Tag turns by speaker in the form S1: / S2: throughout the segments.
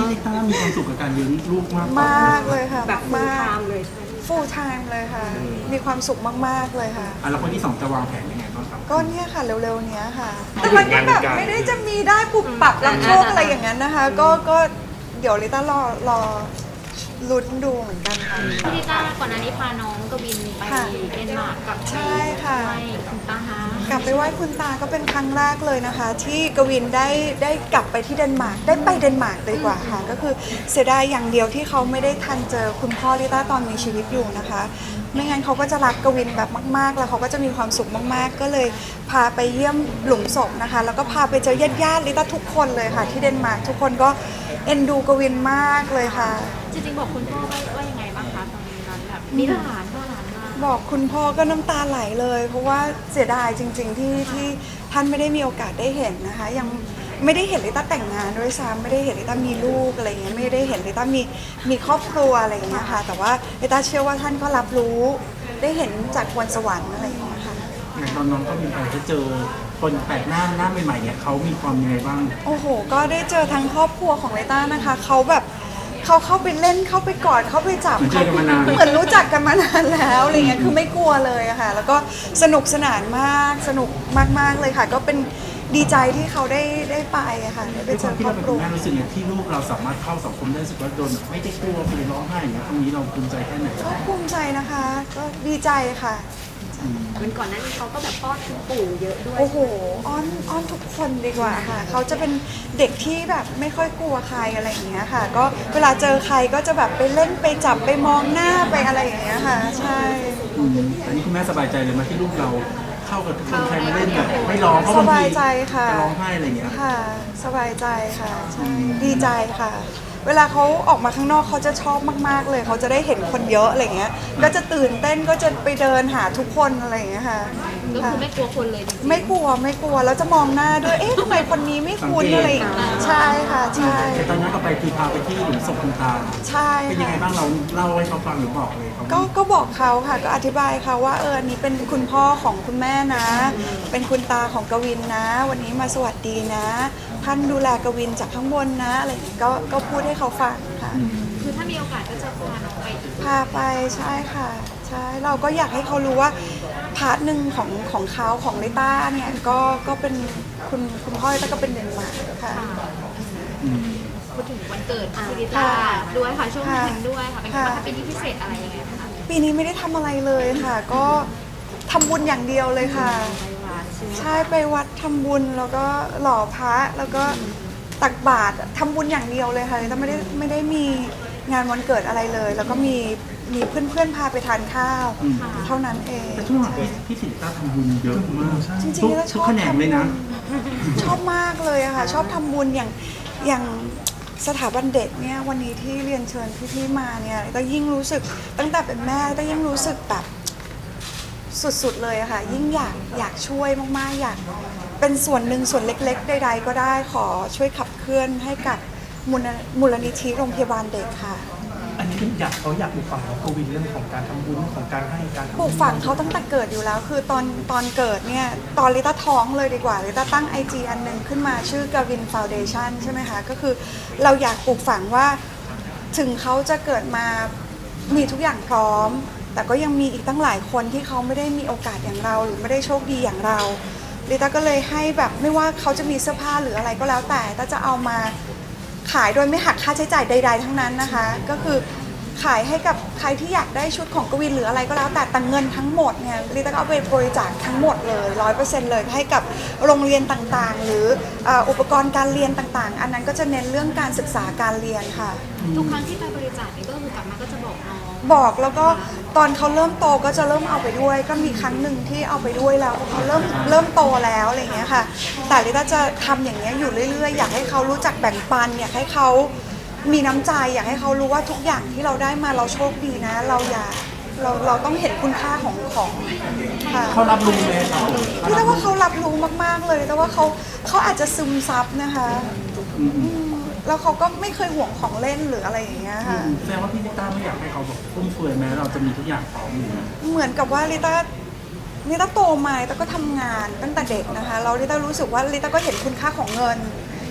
S1: ลิต้ามีความสุขกับการเลี้ยงลูกมาก
S2: มากเลยค่ะ
S3: แบบฟูล
S2: มาก
S3: ไทม์เลยใช่ไหม
S2: full time เลยค่ะ มีความสุขมากๆเลยค่ะ
S1: แล้วคนที่สองจะวางแผนยังไงบ้างครับ
S2: ก็เนี่ยค่ะเร็วๆเนี้ยค่ะแต่มันก็แบบไม่ได้จะมีได้ปุบปับรับโชคอะไรอย่างนั้นนะคะก็เดี๋ยวลิต้ารอลุ้นดูเหมือนกันค่ะ
S4: พี่ลิต้าก่อนหน้านี้พาน้องกวินไปเดนมาร์กกับ
S2: ใช่ค่ะ
S4: ไปคุณตาฮะ
S2: กลับไปไหว้คุณตาก็เป็นครั้งแรกเลยนะคะ ที่กวินได้กลับไปที่เดนมาร์กได้ไปเดนมาร์กเลยดีกว่าค่ะ ก็คือเสียดายอย่างเดียวที่เขาไม่ได้ทันเจอคุณพ่อลิต้าตอนมีชีวิตอยู่นะคะ ไม่งั้นเขาก็จะรักกวินแบบมากๆแล้วเขาก็จะมีความสุขมากๆ ก็เลยพาไปเยี่ยมหลุมศพนะคะ แล้วก็พาไปเจอญาติๆลิต้าทุกคนเลยค่ะ ที่เดนมาร์กทุกคนก็เอ็นดูกวินมากเลยค่ะ
S4: จริงๆบอกคุณพ่อว่ายังไงบ้างคะตอนนั้นแบบมีหลานพ่อหลานมา
S2: บอกคุณพ่อก็น้ำตาไหลเลย เพราะว่าเสียดายจริงๆที่ท่านไม่ได้มีโอกาสได้เห็นนะคะ ยังไม่ได้เห็นลิต้าแต่งงานด้วยซ้ำไม่ได้เห็นลิต้ามีลูกอะไรเงี้ยไม่ได้เห็นลิต้ามีครอบครัวอะไรอย่างเงี้ยค่ะแต่ว่าลิต้าเชื่อว่าท่านก็รับรู้ได้เห็นจากบนสวรรค์อะไรอย่างเงี้ยค่ะ
S1: อย่างตอนน้องก็มีไปจะเจอคนแปลกหน้าใหม่ๆเนี่ยเขามีความยังไงบ้าง
S2: โอ้โหก็ได้เจอทั้งครอบครัวของลิต้านะคะเขาแบบเขาเข้าไปเล่นเข้าไปกอดเข้าไปจับ
S1: เหมือนเจอกันมานาน
S2: เหมือนรู้จักกันมานานแล้วอะไรเงี้ยคือไม่กลัวเลยอะค่ะแล้วก็สนุกสนานมากสนุกมากๆเลยค่ะ ก็เป็นดีใจที่เขาได้ไปอะค่ะได้ไป
S1: ด้วย
S2: เจ
S1: ความ
S2: อ
S1: ที่
S2: ครอ
S1: เรา
S2: บ
S1: เป็น
S2: ครั
S1: คุ
S2: ว
S1: ณแม่รู้สึกอย่างที่ลูกเราสามารถเข้าสังคมได้รู้สึกว่าโดนแบบไม่ได้กลัวไปร้องไห้อย่างเงี้ยตรงนี้เราภูมิใจแค่ไหน
S2: ก็ภูมิใจนะคะ ก็ดีใจค่ะ
S3: เป็นก่อนหน้านี้เขาก็แบบป้อนคุณปู่เยอะด้วย
S2: โอ้โหอ้อนทุกคนดีกว่าค่ะ เขาจะเป็นเด็กที่แบบไม่ค่อยกลัวใครอะไรอย่างเงี้ยค่ะ ก็เวลาเจอใครก็จะแบบไปเล่นไปจับไปมองหน้าไปอะไรอย่างเงี้ยค่ะ ใช่
S1: อันนี้คุณแม่สบายใจเลยไหมที่ลูกเราเข้ากับทุกคนใครมาเล่นแบบไม่ร้องเพราะ
S2: ส
S1: บาง
S2: บา
S1: ที
S2: ยใจค่ะ
S1: จะร้องไห้อะไรอย่างเงี้ย
S2: ค่ะ สบายใจค่ะ ใช่ ดีใจค่ะ เวลาเขาออกมาข้างนอกเขาจะชอบมากๆเลย เขาจะได้เห็นคนเยอะอะไรเงี้ย ก็จะตื่นเต้นก็จะไปเดินหาทุกคนอะไรอย่างเงี้ยค่ะ
S4: ก็คือไม่กลัวคนเลยจริงๆ
S2: ไม่กลัวแล้วจะมองหน้าด้วย เอ๊ะทำไมคนนี้ไม่คุ้นอะไรอย่างเงี้ยใช่ค่ะ ใช่
S1: แต่ตอนนั้นก็ไปคือพาไปที่หลุมศพคุณตา
S2: ใช่
S1: เป็นยังไง
S2: ค่ะ
S1: บ้างเราเล่าให้เขาฟังหรือบอกเลยเขา
S2: ก็บอกเขาค่ะ ก็อธิบายเขาว่าอันนี้เป็นคุณพ่อของคุณแม่นะ เป็นคุณตาของกวินนะ วันนี้มาสวัสดีนะ ท่านดูแลกวินจากข้างบนนะอะไรอย่างงี้ก็พูดให้เขาฟังค่ะ
S4: คือถ้ามีโอกาสก็จะพาน้องไป
S2: พาไปใช่ค่ะใช่เราก็อยากให้เขารู้ว่าพาร์ทหนึ่งของเขาของลิต้าเนี่ยก็เป็นคุณพ่อลิต้าก็เป็นเดนมาร์กค่ะ
S4: พูดถึงวันเกิดพี่ลิต้าด้วยค่ะช่วงนั้นด้วยค่ะเป็น
S2: ค่ะ
S4: ว่าถ้าเป็นที่พิเศษอะไรยังไงคะ
S2: ปีนี้ไม่ได้ทำอะไรเลยค่ะ ก็ทำบุญอย่างเดียวเลยค่ะ
S4: ไปวัดใช่ไหม
S2: ใช่ไปวัดทำบุญแล้วก็หล่อพระแล้วก็ตักบาตรทำบุญอย่างเดียวเลยค่ะแต่ไม่ได้มีงานวันเกิดอะไรเลย แล้วก็มีเพื่อนๆพาไปทานข้าวเท่านั้นเอง
S1: แต่ช่วงหลังพี่สิริต้าทำบุญเยอะมาก
S2: จริง
S1: ทุก
S2: ๆแล้วช
S1: ทุก
S2: อบ
S1: แขนงเลยนะ
S2: ชอบมากเลยอะค่ะ ชอบทำบุญอย่างสถาบันเด็กเนี่ยวันนี้ที่เรียนเชิญพี่ๆมาเนี่ยก็ยิ่งรู้สึกตั้งแต่เป็นแม่ก็ยิ่งรู้สึกแบบสุดๆเลยอะค่ะ ยิ่งอยากช่วยมากๆอยากเป็นส่วนหนึ่งส่วนเล็กๆใดๆก็ได้ขอช่วยขับเคลื่อนให้กับมูลนิธิโรงพยาบาลเด็กค่ะ
S5: อันนี้เป็นเขาอยากปลูกฝังน้องกวินเรื่องของการทำบุญเรื่องของการให้การทำ
S2: ปลูกฝังเขาตั้งแต่เกิดอยู่แล้ว คือตอนเกิดเนี่ยตอนลิต้าท้องเลยดีกว่าลิต้าตั้ง IG อันหนึ่งขึ้นมาชื่อกวินฟาวเดชั่นใช่ไหมคะก็คือเราอยากปลูกฝังว่าถึงเขาจะเกิดมามีทุกอย่างพร้อม แต่ก็ยังมีอีกตั้งหลายคนที่เขาไม่ได้มีโอกาสอย่างเราหรือไม่ได้โชคดีอย่างเราลิต้าก็เลยให้แบบไม่ว่าเขาจะมีเสื้อผ้าหรืออะไรก็แล้วแต่ต้าจะเอามาขายโดยไม่หักค่าใช้จ่ายใด ๆ ทั้งนั้นนะคะก็คือขายให้กับใครที่อยากได้ชุดของกวินหรืออะไรก็แล้วแต่เงินทั้งหมดเนี่ยลิต้าก็เอาไปบริจาคทั้งหมดเลย100%เลยให้กับโรงเรียนต่างๆ หรืออุปกรณ์การเรียนต่างๆ อันนั้นก็จะเน้นเรื่องการศึกษาการเรียนค่ะ
S4: ทุกครั้งที่ไปบริจาคนี่ก็คือกลับมาก็จะบอกน้อง
S2: บอกแล้วก็ตอนเขาเริ่มโตก็จะเริ่มเอาไปด้วย ก็มีครั้งหนึ่งที่เอาไปด้วยแล้วเพราะเขาเริ่มโตแล้วอะไรอย่างเงี้ยค่ะแต่ลิต้าจะทำอย่างเงี้ยอยู่เรื่อยๆอยากให้เขารู้จักแบ่งปันอยากให้เขามีน้ำใจอยากให้เขารู้ว่าทุกอย่างที่เราได้มาเราโชคดีนะ เราต้องเห็นคุณค่าของค่ะ
S1: เขารับรู้ไหมครับ
S2: พี่แต่ว่าเขารับรู้มากๆเลยแต่ว่าเขาอาจจะซึมซับนะคะแล้วเขาก็ไม่เคยห่วงของเล่นหรืออะไรอย่างเงี้ยค่ะ
S1: แสดงว่าพี่ลิต้าไม่อยากให้เขาแบบฟุ่มเฟือยแม้เราจะมีทุกอย่างพร้อมอยู่นะ
S2: เหมือนกับว่าลิต้าโตมาลิต้าก็ทำงานตั้งแต่เด็กนะคะแล้วลิต้ารู้สึกว่าลิต้าก็เห็นคุณค่าของเงิน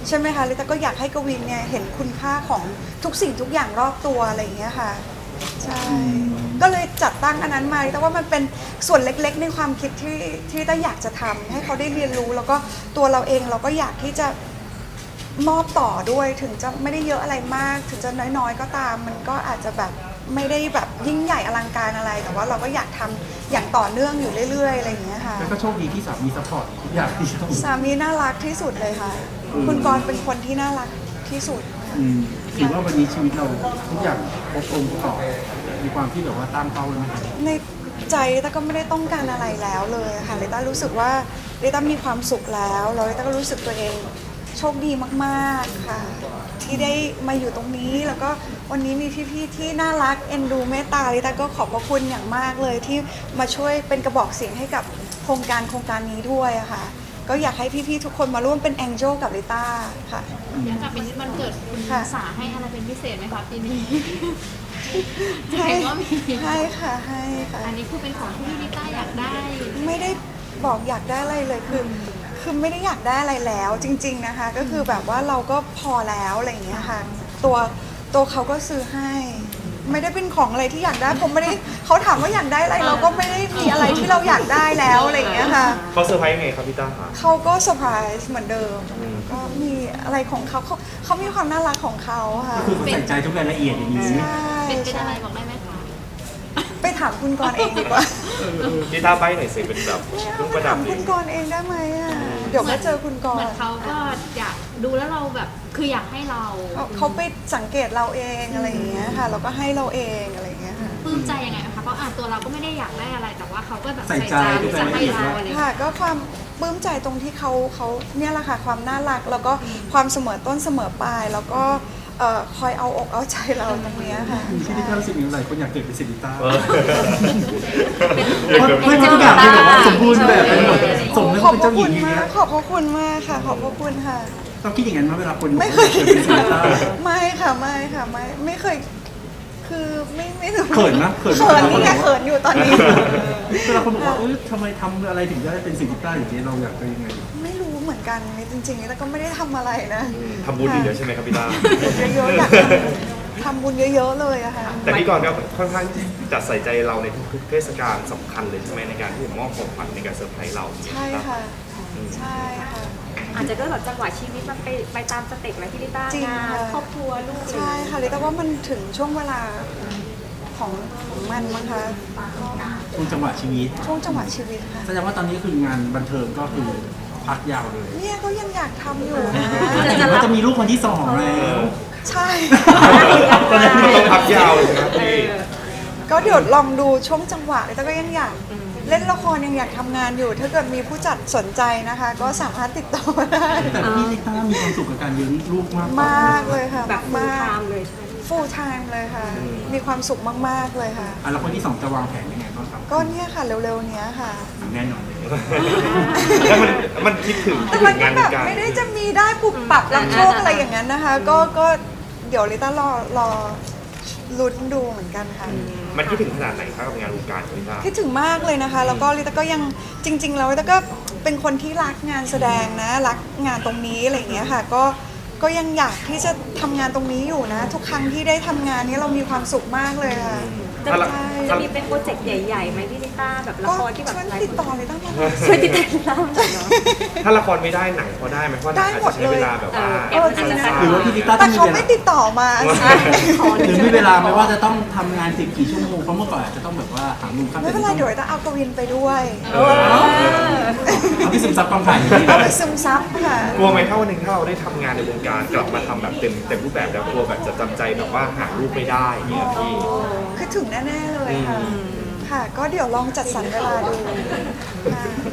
S2: ใช่ไหมคะลิต้าก็อยากให้กวินเนี่ยเห็นคุณค่าของทุกสิ่งทุกอย่างรอบตัวอะไรอย่างเงี้ยค่ะใช่ก็เลยจัดตั้งอันนั้นมาแต่ว่ามันเป็นส่วนเล็กๆในความคิดที่ต้าอยากจะทำให้เขาได้เรียนรู้แล้วก็ตัวเราเองเราก็อยากที่จะมอบต่อด้วยถึงจะไม่ได้เยอะอะไรมากถึงจะน้อยๆก็ตามมันก็อาจจะแบบไม่ได้แบบยิ่งใหญ่อลังการอะไรแต่ว่าเราก็อยากทำอย่างต่อเนื่องอยู่เรื่อยๆอะไรอย่างเงี้ยค่ะ
S1: แล้วก็โชคดีที่สามีซัพพอร์ตทุกอย่างที่ทำ
S2: สามีน่ารักที่สุดเลยค่ะ คุณกรณ์เป็นคนที่น่ารักที่สุด
S1: ถือว่าวันนี้ชีวิตเราทุกอย่างครบองค์ประกอบมีความที่แบบว่าตั้งเป้าไว้ไหมครับ
S2: ในใจลิต้าก็ไม่ได้ต้องการอะไรแล้วเลยค่ะลิต้ารู้สึกว่าลิต้ามีความสุขแล้วแล้วลิต้าก็รู้สึกตัวเองโชคดีมากๆค่ะ ที่ได้มาอยู่ตรงนี้แล้วก็วันนี้มีพี่ๆที่น่ารักเอ็นดูเมตตาลิต้าก็ขอบพระคุณอย่างมากเลยที่มาช่วยเป็นกระบอกเสียงให้กับโครงการนี้ด้วยอะค่ะ ก็อยากให้พี่ๆทุกคนมาร่วมเป็นแองเจิลกับลิต้าค่ะ
S4: อยากกลับเป็นวันเกิดคุณ
S2: ค่ะ
S4: สาให้อะไรเป็นพิเศษไหมคะปีนี้
S2: ให้
S4: เห็นว่ามี
S2: ให้ค่ะให้ค่ะ
S4: อันนี้คือเป็นของที่ลิต้าอยากได้
S2: ไม่ได้บอกอยากได้อะไรเลยคือไม่ได้อยากได้อะไรแล้วจริง ๆนะคะ ก็คือแบบว่าเราก็พอแล้วอะไรอย่างเงี้ยค่ะตัวเขาก็ซื้อให้ ไม่ได้เป็นของอะไรที่อยากได้ผมไม่ได้เขาถามว่าอยากได้อะไรเราก็ไม่ได้มีอะไรที่เราอยากได้แล้วอะไรอย่างเงี้ยค่ะ
S6: เขาเซอร์ไพรส์ยังไงครับพี่ต้าคะ
S2: เขาก็เซอร์ไพรส์เหมือนเดิมก็มีอะไรของเขามีความน่ารักของเขาค่ะ
S1: คือเขาใส่ใจทุกรายละเอียดอย่างนี้
S2: ใช่
S4: เป็นอะไร
S2: ใช่
S4: บอกได้ไหมคะ
S2: ไปถามคุณกรณ์เองดีกว่า
S6: พี่ต้าใบ้หน่อยสิเป็นแบบ
S2: ไม่
S6: เครื่อง
S2: เอา
S6: ป
S2: ไประ
S6: ดั
S2: ถา
S6: บ
S2: ม
S6: ดิ
S2: คุณกรณ์เองได้ไหมอ่ะเดี๋ยวก็เจอคุณก
S4: เหมื
S2: ร
S4: อน
S2: ณ์
S4: เขาก็อยากดูแล้วเราแบบคืออยากให้เรา
S2: เขาไปสังเกตเราเองอะไรอย่างเงี้ยค่ะเราก็ให้เราเองอะไรอย่างเงี้ยค่ะ
S4: ปลื้มใจยังไงคะเพราะตัวเราก็ไม่ได้อยากได้อะไรแต่ว่าเขาก็แบบ
S1: ใส่
S4: ใส่
S1: ใจ
S4: ใจ
S1: ทุก
S4: จะ
S1: รายละ
S4: ให้
S1: เอียด
S4: เรา
S1: ว่า
S4: อะไรอย่าง
S2: ค่ะ
S4: เงี้ย
S2: ก็ความปลื้มใจตรงที่เขาเนี่ยแหละค่ะความน่ารักแล้วก็ความเสมอต้นเสมอปลายแล้วก็คอยเอาอกเอาใจเราตรงเนี้ยค่ะ
S1: ที่ลิต้ารู้สึกอย่างไรคนอยากเกิดเป็นศิลิต้า
S6: เออ
S1: เพราะไม่ทุกอย่างที่แบบว่าสมบูรณ์แบบไปหมดสมแล้ว
S2: ขอบ
S1: เป็น
S2: พระ
S1: เจ้าหญิ
S2: คุ
S1: ง
S2: ณ
S1: อย่าง
S2: มา
S1: เงี้
S2: ก
S1: ย
S2: ขอบพระคุณมากค่ะ ขอบพระคุณค่ะ
S1: ต้องคิดอย่างนั้นไหมเวลาคน
S2: ไม่เคย
S1: เกิดเป็นศิลิต้า
S2: ไม่เคยคือไม่รู้
S1: เขินนะเขิน
S2: เขินนี่ไงเขินอยู่ตอนนี้
S1: เวลาคนบอกว่าทำไมทำอะไรถึงได้เป็นศิลิต้าอย่างนี้เราอยากเป็นยังไง
S2: ไม่รู้เหมือนกันจริงๆแต่ก็ไม่ได้ทำอะไรนะ
S6: ทำบุญอย่างเดียวใช่ไหมครับพี่ต้า
S2: เยอะๆอยากทำบุญเยอะๆเลยอะค่ะ
S6: แต่พี่กรณ์ก็ค่อนข้างจะใส่ใจเราในทุกๆเทศกาลสำคัญเลยใช่ไหมในการที่จะมอบของขวัญในการเซอร์ไพรส์เรา
S2: ใช่ค่ะ ใช่ค่ะ
S3: อาจจะด้วยแบบจังหวะชีวิตมันไปตามสเต็ปไหมพี่ลิต้า
S2: จริง
S3: งาน
S2: ค่ะ
S3: ครอบครัวลูกอะไรอย่าง
S2: ใช่
S3: เงี้ย
S2: ค่ะลิต้าว่ามันถึงช่วงเวลาของมันมั้งคะ
S1: ช่วงจังหวะชีวิต
S2: ช่วงจังหวะชีวิตค่ะ
S1: แสดงว่าตอนนี้คืองานบันเทิงก็คือพักยาวเลย
S2: เนี่ยก็ยังอยากทำอยู่นะ
S1: แต่ว่าจะมีลูกคนที่สองแล้ว
S2: ใช่
S6: ตอนนี้ต้องพักยาวเลยนะครับพี่
S2: ก็เดี๋ยวลองดูช่วงจังหวะลิต้าก็ยังอยากเล่นละครยังอยากทำงานอยู่ ถ้าเกิดมีผู้จัดสนใจนะคะ ก็สามารถติดต่อมาได้
S1: แต่พี่ลิต้ามีความสุขกับการเลี้ยงลูกมากกว่าม
S2: ากเลยค่ะ
S3: แบบฟูล
S2: มา
S3: ไท
S2: ก
S3: ม์เลยใช่ไหม
S2: full time เลยค่ะ มีความสุขมากๆเลยค่ะ
S1: แล้วคนที่สองจะวางแผนยังไงบ้างครับ
S2: ก็เนี่ยค่ะเร็วๆเนี้ยค่ะ
S1: แน่นอนเลย
S6: แล้วมันคิดถึง
S2: แต่มันก็
S6: งาน
S2: แบ
S6: ใน
S2: บ
S6: การ
S2: ไม่ได้จะมีได้ปุบปับรับโชคอะไรอย่างนั้นนะคะ ก็เดี๋ยวลิต้ารอลุ้นดูเหมือนกันค่ะ
S6: มันคิดถึงขนาดไหนครับกับงานวงการของพี่ต้า
S2: คิดถึงมากเลยนะคะ แล้วก็ลิต้าก็ยังจริง ๆ แล้วลิต้าก็เป็นคนที่รักงานแสดงนะรักงานตรงนี้อะไรอย่างเงี้ยค่ะ ก็ยังอยากที่จะทำงานตรงนี้อยู่นะ ทุกครั้งที่ได้ทำงานนี้เรามีความสุขมากเลยค่ะ
S3: จะ
S6: ถ้าละ
S3: จะมีเป็นโปรเจกต์ใหญ่ๆไหมพี่ลิต้าแบบละ
S2: ก็
S3: ครที่แบบ
S2: ช่วย
S3: หลาย
S2: ติด
S3: คน
S2: ต่อเลยตั้งแต่
S3: ช่วยติดตามลิต้าหน่อยเนาะ
S6: ถ้าละครไม่ได้หนังพอได้ไหมเพราะหนังอาจจะใช้เวลาแบบว่า
S2: จริงนะ
S1: หรือว่าพี่ลิต้าต้
S2: แต่
S1: องมี
S2: เขา
S1: เว
S2: ไม่
S1: ลา
S2: ติดต่อมา
S1: หรือมีเวลาไหมว่าจะต้องทำงานกี่ชั่วโมงเพราะเมื่อก่อนอาจจะต้องแบบว่าหามุมข้าม
S2: ไม่เป็นไรเดี๋ยวลิต้าเอากวินไปด้วย
S1: เอาที่ซึมซับความถ่ายอย่างนี้
S2: เอาไปซึมซับค่ะ
S6: กลัวไหมถ้าวันหนึ่งถ้าเราได้ทำงานในวงการกลับมาทำแบบเต็มรูปแบบแล้วกลัวแบบจะจำใจแบบว่าหาลูกไม่ได้อย่างเงี้ยพี่
S2: คือถึงแน่ๆเลยค่ะ ค่ะ ก็เดี๋ยวลองจัดสรรเวลาดูค่ะ